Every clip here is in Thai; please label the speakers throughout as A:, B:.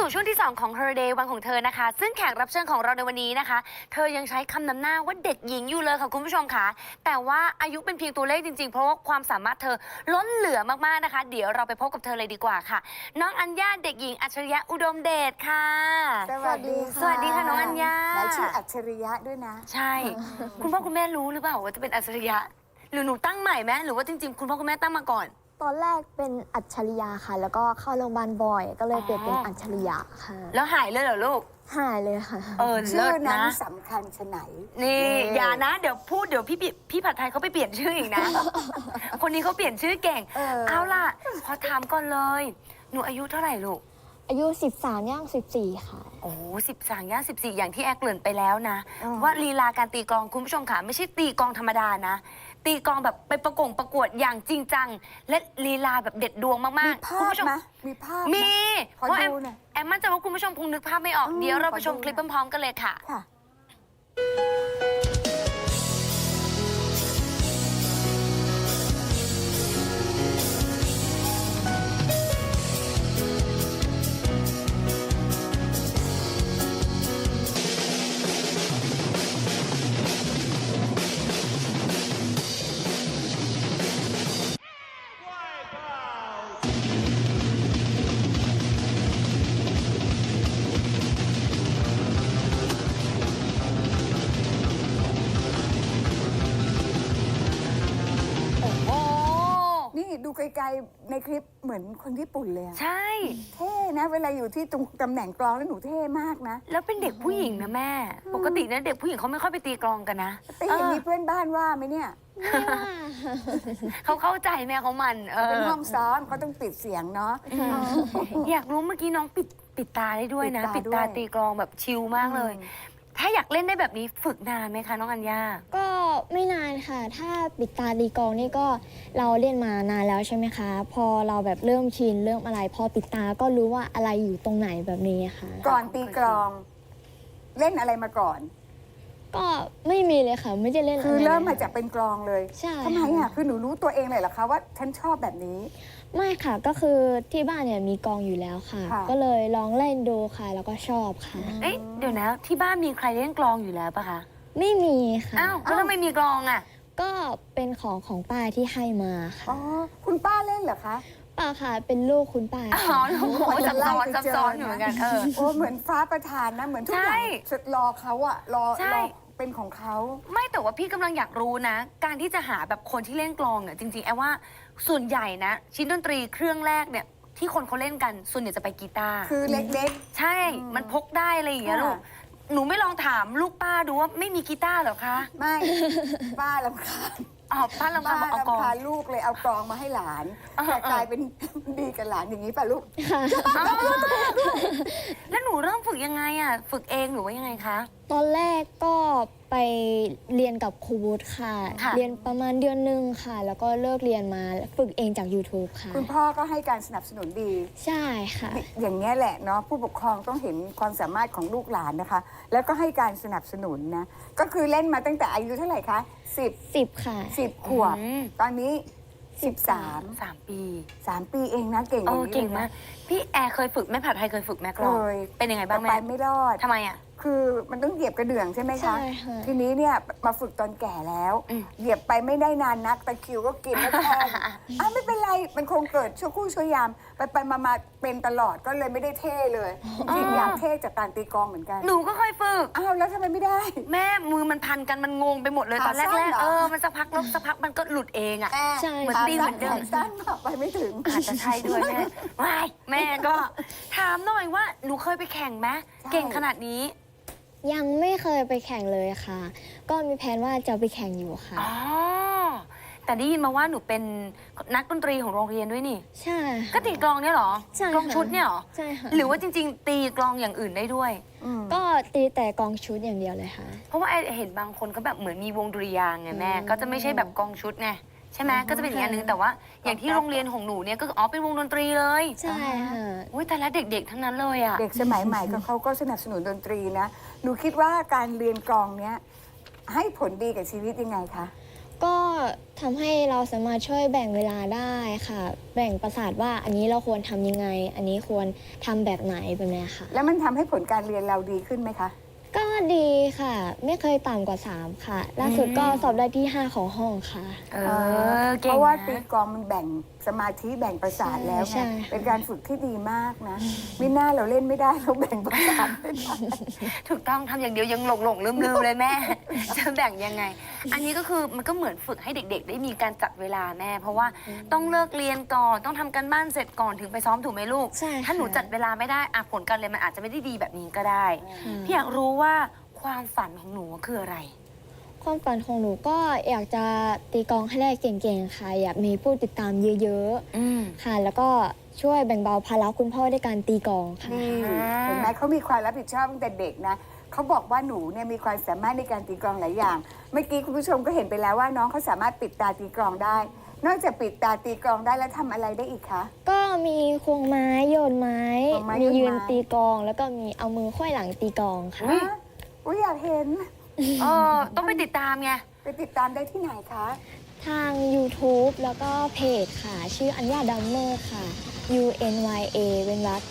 A: สู่ช่วงที่ 2 ของ Her Day วันของเธอนะคะซึ่งแขกรับเชิญของเราในวันนี้นะคะเธอยังใช้คำนำหน้าว่าเด็กหญิงอยู่เลยค่ะคุณผู้ชมค่ะแต่ว่าอายุเป็นเพียงตัวเลขจริงๆเพราะว่าความสามารถเธอล้นเหลือมากๆนะคะเดี๋ยวเราไปพบกับเธอเลยดีกว่าค่ะน้องอัญญาเด็กหญิงอัจฉริยะอุดมเดชค่ะ
B: สวัสดีค่ะ
A: สวัสดีค่ะน้องอัญญา
B: และชื่ออัจฉริยะด้วยนะ
A: ใช่ คุณพ่อคุณแม่รู้หรือเปล่าว่าจะเป็นอัจฉริยะหรือหนูตั้งใหม่ไหมหรือว่าจริงๆคุณพ่อคุณแม่ตั้งมาก่อน
C: ตอนแรกเป็นอัจฉริยะค่ะ แล้วก็เข้าโรงพยาบาลบ่อย ก็เลยเปลี่ยนเป็นอัจฉริยะค่ะ
A: แล้วหายเลยเหรอลูก
C: หายเลยค่ะ
B: ชื่
A: เลิ
B: อ
A: ศ
B: นั้น
A: นะ
B: สำคัญชะไหน
A: นี่อย่านะเดี๋ยวพูดเดี๋ยวพี่ผัดไทยเขาไปเปลี่ยนชื่ออีกนะ คนนี้เขาเปลี่ยนชื่อเก่ง เอาล่ะขอถามก่อนเลยหนูอายุเท่าไหร่ลูก
C: อายุ 13 ย่าง 14 ค่ะ
A: โอ้13 ย่าง 14 อย่างที่แอคเกริ่นไปแล้วนะ ว่าลีลาการตีกลองคุณผู้ชมค่ะไม่ใช่ตีกลองธรรมดานะ ตีกลองแบบไปประกวดอย่างจริงจัง และลีลาแบบเด็ดดวงมาก
B: มี
A: ๆ
B: ภา
A: คุณ
B: พ
A: ผู้ชม
B: ไหมมีภาพไหม
A: มี
B: ขอ
A: เพราะแอม
B: ดูหน่อย
A: แอมมั่นใจว่าคุณผู้ชมคงนึกภาพไม่ออกเดี๋ยวเราไปชม
B: ขอดู
A: คลิป
B: หน่อย
A: พร้อมๆกันเลยค่ะ
B: ค่ะ
A: โอ้โห
B: นี่ดูไกลๆในคลิปเหมือนคนญี่ปุ่นเลยอะ
A: ใช่
B: เท่นะ เวลาอยู่ที่ตรงตำแหน่งกลองแล้วหนูเท่มากนะ
A: แล้วเป็นเด็กผู้หญิงนะแม่ ปกตินะเด็กผู้หญิงเขาไม่ค่อยไปตีกลองกันนะ
B: แต่อย่างนี้เพื่อนบ้านว่าไหมเนี่ย
A: เขาเข้าใจแม่เขามัน
B: เป็นห้องซ้อมเขาต้องปิดเสียงเนาะ
A: อยากรู้เมื่อกี้น้องปิดตาได้ด้วยนะ
B: ปิ
A: ปิ
B: ด
A: ด
B: ตา
A: ตา
B: ด้วย
A: ตีกลองแบบชิลมากเลย ถ้าอยากเล่นได้แบบนี้ฝึกนานไหมคะน้องอัญญา
C: ก็ไม่นานค่ะ ถ้าปิดตาดีกลองนี่ก็เราเล่นมานานแล้วใช่ไหมคะ พอเราแบบเริ่มชินเริ่มอะไร พอปิดตาก็รู้ว่าอะไรอยู่ตรงไหนแบบนี้ค่ะ
B: ก่อนตีกลอง เล่นอะไรมาก่อน
C: ก็ไม่มีเลยค่ะ ไม่ได้เล่น
B: คือ
C: อะไร
B: เริ่ม
C: ล
B: มาย จากเป็นกลองเลย
C: ใช่
B: ทำไมอ่ะคือหนูรู้ตัวเองเลยเหรอคะว่าฉันชอบแบบนี้
C: ไม่ค่ะ ก็คือที่บ้านเนี่ยมีกลองอยู่แล้วค่ะ
B: ค่ะ
C: ก็เลยลองเล่นดูค่ะ แล้วก็ชอบค่ะ
A: เอ๊ะเดี๋ยวนะที่บ้านมีใครเล่นกลองอยู่แล้วปะคะ
C: ไม่มีค่ะ
A: อ้าวแล้วทำไมมีกลองอ่ะ
C: ก็เป็นของป้าที่ให้มาค่ะ
B: อ๋อคุณป้าเล่นเหรอคะ
C: ป้าค่ะ เป็นลูกคุณป้า
A: อ๋อลูกโอ้ยซับซ้อนอยู่เหมือนกัน
B: โอ้เหมือนฟ้าประทานนะ เหมือนทุกอย่าง
A: ใช่
B: รอเขาอะรอ
A: ใช่
B: เป็นของเขา
A: ไม่แต่ว่าพี่กำลังอยากรู้นะ การที่จะหาแบบคนที่เล่นกลองเนี่ยจริงๆแอบว่าส่วนใหญ่นะ ชิ้นดนตรีเครื่องแรกเนี่ยที่คนเขาเล่นกันส่วนใหญ่จะไปกีตาร์
B: คือเล็ก
A: ใช่ มันพกได้อะไรอย่างเงี้ย
B: ค่ะ
A: ลูก หนูไม่ลองถามลูกป้าดูว่าไม่มีกีตาร์เหรอคะ
B: ๆ ไม่ ป้าลำคาญ
A: อ๋อป้าลำ
B: ป้า
A: พังบอกเอากลอ
B: ลำ
A: ง
B: คาญลูกเลยเอากลองมาให้หลาน
A: อ่า
B: แต่กลายเป็น ดีกับหลานอย่างนี้ป่ะลูก
A: อ้าวแล้วหนูเริ่มฝึกยังไงอ่ะ ฝึกเองหรือว่ายังไงคะ
C: ตอนแรกก็ไปเรียนกับครูวุฒิค่ะ
A: ค่ะ
C: เรียนประมาณเดือนหนึงค่ะ แล้วก็เลิกเรียนมาฝึกเองจาก YouTube ค่ะ
B: คุณพ่อก็ให้การสนับสนุนดี
C: ใช่ค่ะ
B: อย่างนี้ยแหละเนาะผู้ปกครองต้องเห็นความสามารถของลูกหลานนะคะ แล้วก็ให้การสนับสนุนนะ ก็คือเล่นมาตั้งแต่อายุเท่าไหร่คะ
C: 10 ค่ะ
B: 10ขวบ
A: อืม
B: ตอนนี้
A: 3 ปี
B: 3ปีเองนะเก่งอ
A: โอ้
B: ย่างนี้
A: เก่ง
B: ลย
A: มา
B: นะ
A: ก พี่แอร์เคยฝึกแม่ผัดไทยเคยฝึกแม่กลอง
B: เคย
A: เป็นยังไงบ้าง
B: แต่
A: แม่
B: ไปไม่รอด
A: ทำไมอ่ะ
B: คือมันต้องเหยียบกระเดื่องใช่ไหม
C: ใช่
B: คะ
C: ค่ะ
B: ทีนี้เนี่ยมาฝึกตอนแก่แล้ว
A: อืม
B: เหยียบไปไม่ได้นานนักตะคริวก็กินแล้วแทงไม่เป็นไรมันคงเกิดชั่วครู่ชั่วยาม ไปมาเป็นตลอดก็เลยไม่ได้เท่เลยจริงๆอยากเท่จากการตีกลองเหมือนกัน
A: หนูก็เคยฝึก
B: อ้าวแล้วทำไมไม่ได้
A: แม่มือมันพันกันมันงงไปหมดเลย
B: ขา
A: ตอนแร
B: สั้น
A: ก
B: เหรอ
A: ๆมันสักพักแล้วสักพักมันก็หลุดเองอ่ะ
C: ใช่
A: เหมือน
B: ขา
A: ตีเหมือนเดิม
B: แขนสั้นไปไม่ถึง
A: อาจจะใช่ด้วยแม่ว้ายแม่ก็ถามหน่อยว่าหนูเคยไปแข่งไหม
B: ใช่
A: เก่งขนาดนี้
C: ยังไม่เคยไปแข่งเลยค่ะ ก็มีแผนว่าจะไปแข่งอยู่ค่ะ
A: อ๋อ แต่ได้ยินมาว่าหนูเป็นนักดนตรีของโรงเรียนด้วยนี่
C: ใช่ค่ะ
A: ก็ตีกลองเนี่ยเหรอ
C: ใช่ค่ะ
A: กลองชุดเนี่ยเหรอ
C: ใช่ค่ะ
A: หรือว่าจริง ๆ ตีกลองอย่างอื่นได้ด้วย
C: ก็ตีแต่กลองชุดอย่างเดียวเลยค่ะ
A: เพราะว่าไอเห็นบางคนก็แบบเหมือนมีวงดุริยางค์ไงแม่ ก็จะไม่ใช่แบบกลองชุดไงใช่ไหมก็จะเป็นอย่างนึงแต่ว่าอย่างที่โรงเรียนของหนูเนี่ยก็คืออ๋อเป็นวงดนตรีเลย
C: ใช่ค่ะ
A: อุ้ยแต่ละเด็กๆทั้งนั้นเลยอ่ะ
B: เด็กสมัยใหม่ก็เขาก็สนับสนุนดนตรีนะ หนูคิดว่าการเรียนกลองเนี้ยให้ผลดีกับชีวิตยังไงคะ
C: ก็ทำให้เราสามารถช่วยแบ่งเวลาได้ค่ะ แบ่งประสาทว่าอันนี้เราควรทำยังไง อันนี้ควรทำแบบไหนแบบนี้ค่ะ
B: แล้วมันทำให้ผลการเรียนเราดีขึ้นไหมคะ
C: ก็ดีค่ะ ไม่เคยต่ำกว่า 3 ค่ะ ล่าสุดก็สอบได้ที่ 5 ของห้องค่ะ
A: เอ
B: เพ
A: เก่ง
B: ราะว่าตี
A: นะ
B: กลองมันแบ่งสมาธิแบ่งประสาทแล้ว
C: ใช่
B: ไง
C: ค่ะ
B: เป็นการฝึกที่ดีมากนะมิน่าเราเล่นไม่ได้เราแบ่งประสาทไม่ได้
A: ถูกต้องทำอย่างเดียวยังหลงลืมเลยแม่ จะแบ่งยังไง อันนี้ก็คือมันก็เหมือนฝึกให้เด็ก ๆ ได้มีการจัดเวลาแม่ เพราะว่าต้องเลิกเรียนก่อนต้องทำการบ้านเสร็จก่อนถึงไปซ้อมถูกไหมลูก
C: ใช่ค่ะ
A: ถ้าหนูจัดเวลาไม่ได้อะผลการเรียนมันอาจจะไม่ได้ดีแบบนี้ก็ได้
C: ค่ะ
A: พี่อยากรู้ว่าความฝันของหนูคืออะไร
C: ความฝันของหนูก็อยากจะตีกลองให้ได้เก่งๆค่ะ อยากมีผู้ติดตามเยอะ
A: อืม
C: ๆค่ะ แล้วก็ช่วยแบ่งเบาภาระคุณพ่อด้วยการตีกลองค่ะ
B: นี่
A: อ่า
B: เห็นไหมเขามีความรับผิดชอบตั้งแต่เด็กนะเขาบอกว่าหนูเนี่ยมีความสามารถในการตีกลองหลายอย่าง เมื่อกี้คุณผู้ชมก็เห็นไปแล้วว่าน้องเขาสามารถปิดตาตีกลองได้ นอกจากปิดตาตีกลองได้แล้วทำอะไรได้อีกคะ
C: ก็มีควงไม้โยนไม้
B: ควงไม้
C: มี
B: โยนไม้
C: ยืนตีกลอง แล้วก็มีเอามือไขว้หลังตีกลองค่ะ
B: อุ้ยอยากเห็น
A: เออต้องไปติดตามไง
B: ไปติดตามได้ที่ไหนคะ
C: ทาง YouTube แล้วก็เพจค่ะ ชื่ออัญญาดัมเมอร์ค่ะ UNYA เป็นวรรค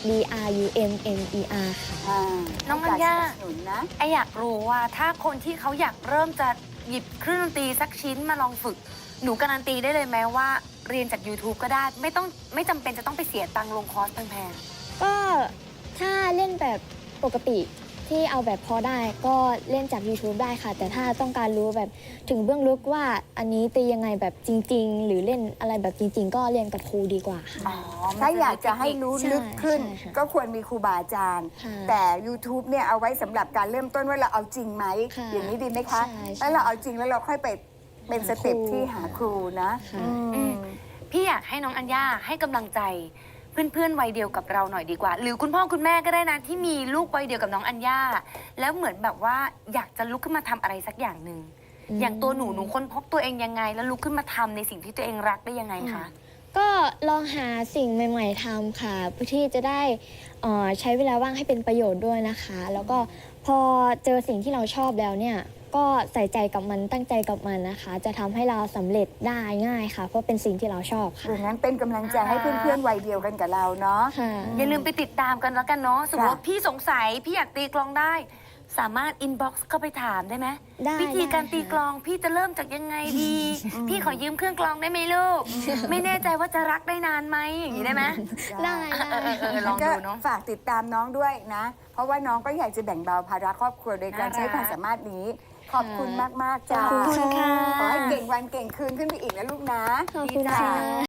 C: DRUMMER ค่ะ
B: า
A: น้องอัญญา
B: ให้กรสนับสนุนนะ
A: ไออยากรู้ว่าถ้าคนที่เขาอยากเริ่มจะหยิบเครื่องดนตรีสักชิ้นมาลองฝึก หนูการันตีได้เลยไหมว่าเรียนจาก YouTube ก็ได้ไม่จำเป็นจะต้องไปเสียตังค์ลงคอร์สแพง
C: ก็ถ้าเล่นแบบปกติที่เอาแบบพอได้ก็เล่นจาก YouTube ได้ค่ะ แต่ถ้าต้องการรู้แบบถึงเบื้องลึกว่าอันนี้ตียังไงแบบจริง ๆ หรือเล่นอะไรแบบจริง ๆ ก็เรียนกับครูดีกว่าค่ะ
A: ๆอ๋อมัน
B: ถ้าอยากจะให้รู้
C: ใช่
B: ลึกขึ้น
C: ใช่ค่ะ
B: ก็ควรมีครูบาอาจารย์
C: ค่ะ
B: แต่ YouTube เนี่ยเอาไว้สำหรับการเริ่มต้นว่าเราเอาจริงไหม
C: ค่ะ
B: อย่างนี้ดีไหมคะ
C: ใช่
B: แล้วเราเอาจริงแล้วเราค่อยไปเป็นสเต็ปที่หาครูนะ
C: ค่ะ
B: อืม
A: พี่อยากให้น้องอัญญาให้กำลังใจเพื่อนๆวัยเดียวกับเราหน่อยดีกว่า หรือคุณพ่อคุณแม่ก็ได้นะที่มีลูกวัยเดียวกับน้องอัญญาแล้วเหมือนแบบว่าอยากจะลุกขึ้นมาทำอะไรสักอย่างหนึ่ง
C: อืม
A: อย่างตัวหนูค้นพบตัวเองยังไง แล้วลุกขึ้นมาทำในสิ่งที่ตัวเองรักได้ยังไงคะ
C: ก็ลองหาสิ่งใหม่ ๆทำค่ะเพื่อที่จะได้ใช้เวลาว่างให้เป็นประโยชน์ด้วยนะคะ แล้วก็พอเจอสิ่งที่เราชอบแล้วเนี่ยก็ใส่ใจกับมันตั้งใจกับมันนะคะ จะทำให้เราสำเร็จได้ง่ายค่ะ เพราะเป็นสิ่งที่เราชอบค่ะ
B: ดังนั้นเป็นกำลังใจให้เพื่อนๆวัยเดียวกันกับเราเนาะ
C: ค่ะ
A: อย่าลืมไปติดตามกันแล้วกันเนาะสมมติว่า
B: ค่ะ
A: พี่สงสัยพี่อยากตีกลองได้ สามารถอินบ็อกซ์เข้าไปถามได้ไหม
C: ได้
A: วิธีการ
C: ได้ค่ะ
A: ตีกลองพี่จะเริ่มจากยังไงดี พี่ขอยืมเครื่องกลองได้ไหมลูก ไม่แน่ใจว่าจะรักได้นานไหมอย่างนี้ได้ไหม
C: ได้
A: ลองดูเนาะ
B: ฝากติดตามน้องด้วยนะ เพราะว่าน้องก็อยากจะแบ่งเบาภาระครอบครัวโดยการ
A: น่ารัก
B: ใช้ความสามารถนี้ ขอบคุณมากๆจ้า
C: ขอบคุณค่ะ
B: ขอให้เก่งวันเก่งคืนขึ้นไปอีกนะลูกนะ
C: ขอบคุณค่ะ